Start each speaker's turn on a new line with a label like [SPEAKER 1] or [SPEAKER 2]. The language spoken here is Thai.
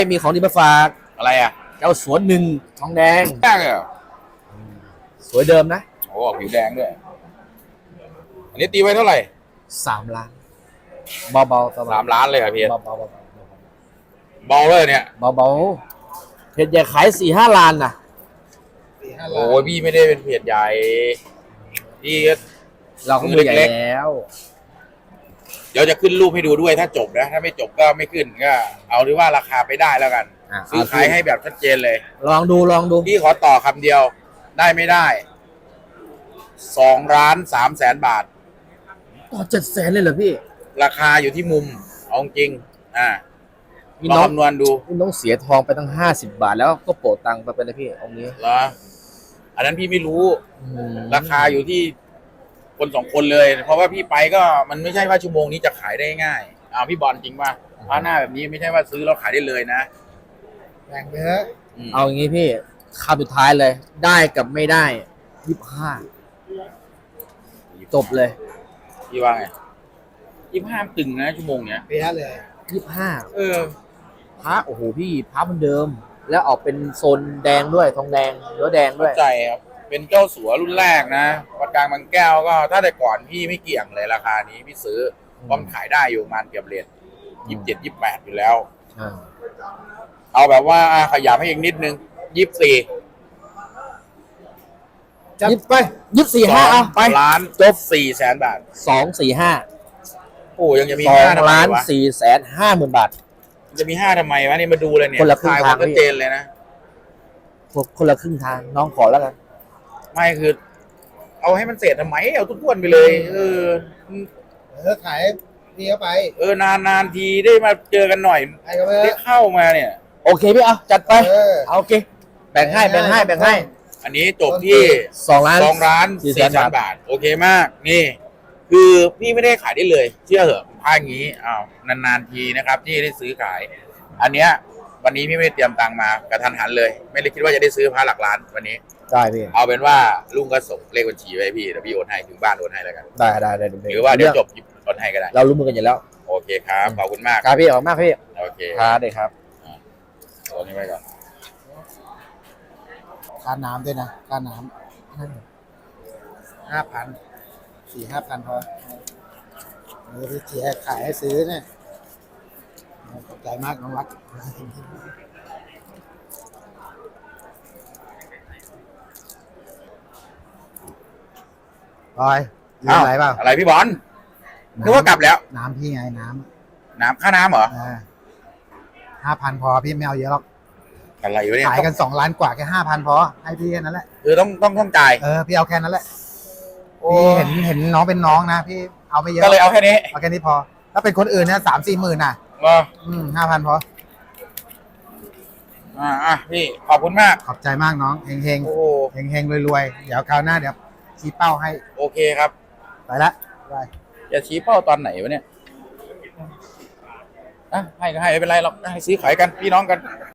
[SPEAKER 1] มีของดีมาฝาก
[SPEAKER 2] อะไรอ่ะ
[SPEAKER 1] เจ้าสวนหนึ่งทองแดง
[SPEAKER 2] แดงเลยเหรอ
[SPEAKER 1] สวยเดิมนะ
[SPEAKER 2] โอ้ผิวแดงด้วยอันนี้ตีไว้เท่าไหร่
[SPEAKER 1] 3 ล้านเบาๆประมาณ
[SPEAKER 2] 3 ล้านเลยเหรอพี่
[SPEAKER 1] เบา
[SPEAKER 2] เบาเลยเนี่ย
[SPEAKER 1] ๆเบาๆเพจใหญ่ขาย4-5 ล้านนะ
[SPEAKER 2] โอ้ยพี่ไม่ได้เป็นเพจใหญ่พี่
[SPEAKER 1] เราก็มือใหญ่แล้ว
[SPEAKER 2] เดี๋ยวจะขึ้นรูปให้ดูด้วยถ้าจบนะถ้าไม่จบก็ไม่ขึ้นก็เอาหรือว่าราคาไปได้แล้วกันซื้อขายให้แบบชัดเจนเลย
[SPEAKER 1] ลองดู
[SPEAKER 2] พี่ขอต่อคำเดียวได้ไม่ได้2,300,000 บาท
[SPEAKER 1] ต่อ700,000เลยเหรอพี่
[SPEAKER 2] ราคาอยู่ที่มุมเอาจริงลองคำนวณดู
[SPEAKER 1] พี่น้องเสียทองไปตั้ง50 บาทแล้วก็โปะตังค์ไปเป็นนะพี่องค์นี้
[SPEAKER 2] เหรออันนั้นพี่ไม่รู้ราคาอยู่ที่คน2 คนเลย เพราะว่าพี่ไปก็มันไม่ใช่ว่าชั่วโมงนี้จะขายได้ง่ายพี่บอลจริงป่ะพระหน้าแบบนี้ไม่ใช่ว่าซื้อแล้วขายได้เลยนะ
[SPEAKER 3] แบ่งเยอะ
[SPEAKER 1] เอาอย่างงี้พี่คำสุดท้ายเลยได้กับไม่ได้25จบเลย
[SPEAKER 2] พี่ว่าไง25ตึงนะชั่วโมงเนี้ย
[SPEAKER 3] เปียเลย
[SPEAKER 1] 25พระโอ้โหพี่พระมันเดิมแล้วออกเป็นโซนแดงด้วยทองแดงเนื้อแดงด้วย
[SPEAKER 2] ใจครับเป็นเจ้าสัวรุ่นแรกนะวัดกลางบางแก้วก็ถ้าแต่ก่อนพี่ไม่เกี่ยงเลยราคานี้พี่ซื้อเพราะมันขายได้อยู่ประมาณเกือบเรท27-28อยู่แล้วเอาแบบว่าขยับให้อีกนิดนึง24
[SPEAKER 1] ยิบไป24-5เอาไป
[SPEAKER 2] 2,400,000 บาท
[SPEAKER 1] 245
[SPEAKER 2] โอ้ยังจะมี
[SPEAKER 1] 2,450,000 บาท
[SPEAKER 2] จะมี5ทำไมวะนี่มาดูเลยเนี่ย
[SPEAKER 1] คนละครึ่งทาง
[SPEAKER 2] ชัดเจนเลยนะ
[SPEAKER 1] คนละครึ่งทางน้องขอแล้วกัน
[SPEAKER 2] ไม่คือเอาให้มันเสร็จทำไมเอาทุกวันไปเลย
[SPEAKER 3] ขายพี่เข้าไป
[SPEAKER 2] นานทีได้มาเจอกันหน่อยได้เข้ามาเนี่ย
[SPEAKER 1] โอเคพี่เอาจัดไปโอเคแบ่งให้
[SPEAKER 2] อันนี้จบที่2,400,000 บาทโอเคมากนี่คือพี่ไม่ได้ขายได้เลยเชื่อเหอะผ้าอย่างนี้นานทีนะครับที่ได้ซื้อขายอันเนี้ยวันนี้พี่ไม่ได้เตรียมตังค์มากระทันหันเลยไม่ได้คิดว่าจะได้ซื้อผ้าหลักล้านวันนี้
[SPEAKER 1] ได้พี่
[SPEAKER 2] เอาเป็นว่าลุงก็ส่งเลขบัญชีไว้พี่เดี๋ยวพี่โอนให้ถึงบ้านโอนให้แล้วกัน
[SPEAKER 1] ได้
[SPEAKER 2] หรือว่าเดี๋ยวจบโอนให้ก็ได้
[SPEAKER 1] เรารู้มือกันอยู่แล้ว
[SPEAKER 2] โอเคครับขอบคุณมาก
[SPEAKER 1] ครับพี่ขอบคุณมากพี่
[SPEAKER 2] โอเค
[SPEAKER 1] ครับได้ครับ
[SPEAKER 2] โอนนี้ไว้ก่อน
[SPEAKER 3] ค่าน้ำด้วยนะค่าน้ำ5,000 4-5,000พอพี่เจียขายให้ซื้อเนี่ยขอบใจมากน้องรักบอยอะไรเปล่า
[SPEAKER 2] อะไรพี่บอลนึกว่ากลับแล้ว
[SPEAKER 3] น้ำพี่ไง
[SPEAKER 2] น้ำค่าน้ำเหรอ
[SPEAKER 3] 5,000พอพี่ไม่เอาเยอะหรอก
[SPEAKER 2] อะไรอยู่เนี่ย
[SPEAKER 3] ขายกัน2 ล้านกว่าแค่5,000พอให้พี่แค่นั้นแหละ
[SPEAKER 2] ต้องจ่าย
[SPEAKER 3] พี่เอาแค่นั้นแหละพี่เห็นน้องเป็นน้องนะพี่เอาไม่เยอะ
[SPEAKER 2] ก็เลยเอาแค่
[SPEAKER 3] นี้พอถ้าเป็นคนอื่นเนี่ย3-4 หมื่นน่ะ5,000พอ
[SPEAKER 2] พี่ขอบคุณมาก
[SPEAKER 3] ขอบใจมากน้องเฮงรวยเดี๋ยวคราวหน้าเดี๋ยวชี้เป้าให้
[SPEAKER 2] โอเคครับ
[SPEAKER 3] ไปละ
[SPEAKER 2] จะชี้เป้าตอนไหนวะเนี่ยให้ก็ให้ไม่เป็นไรหรอกให้ซื้อขายกันพี่น้องกัน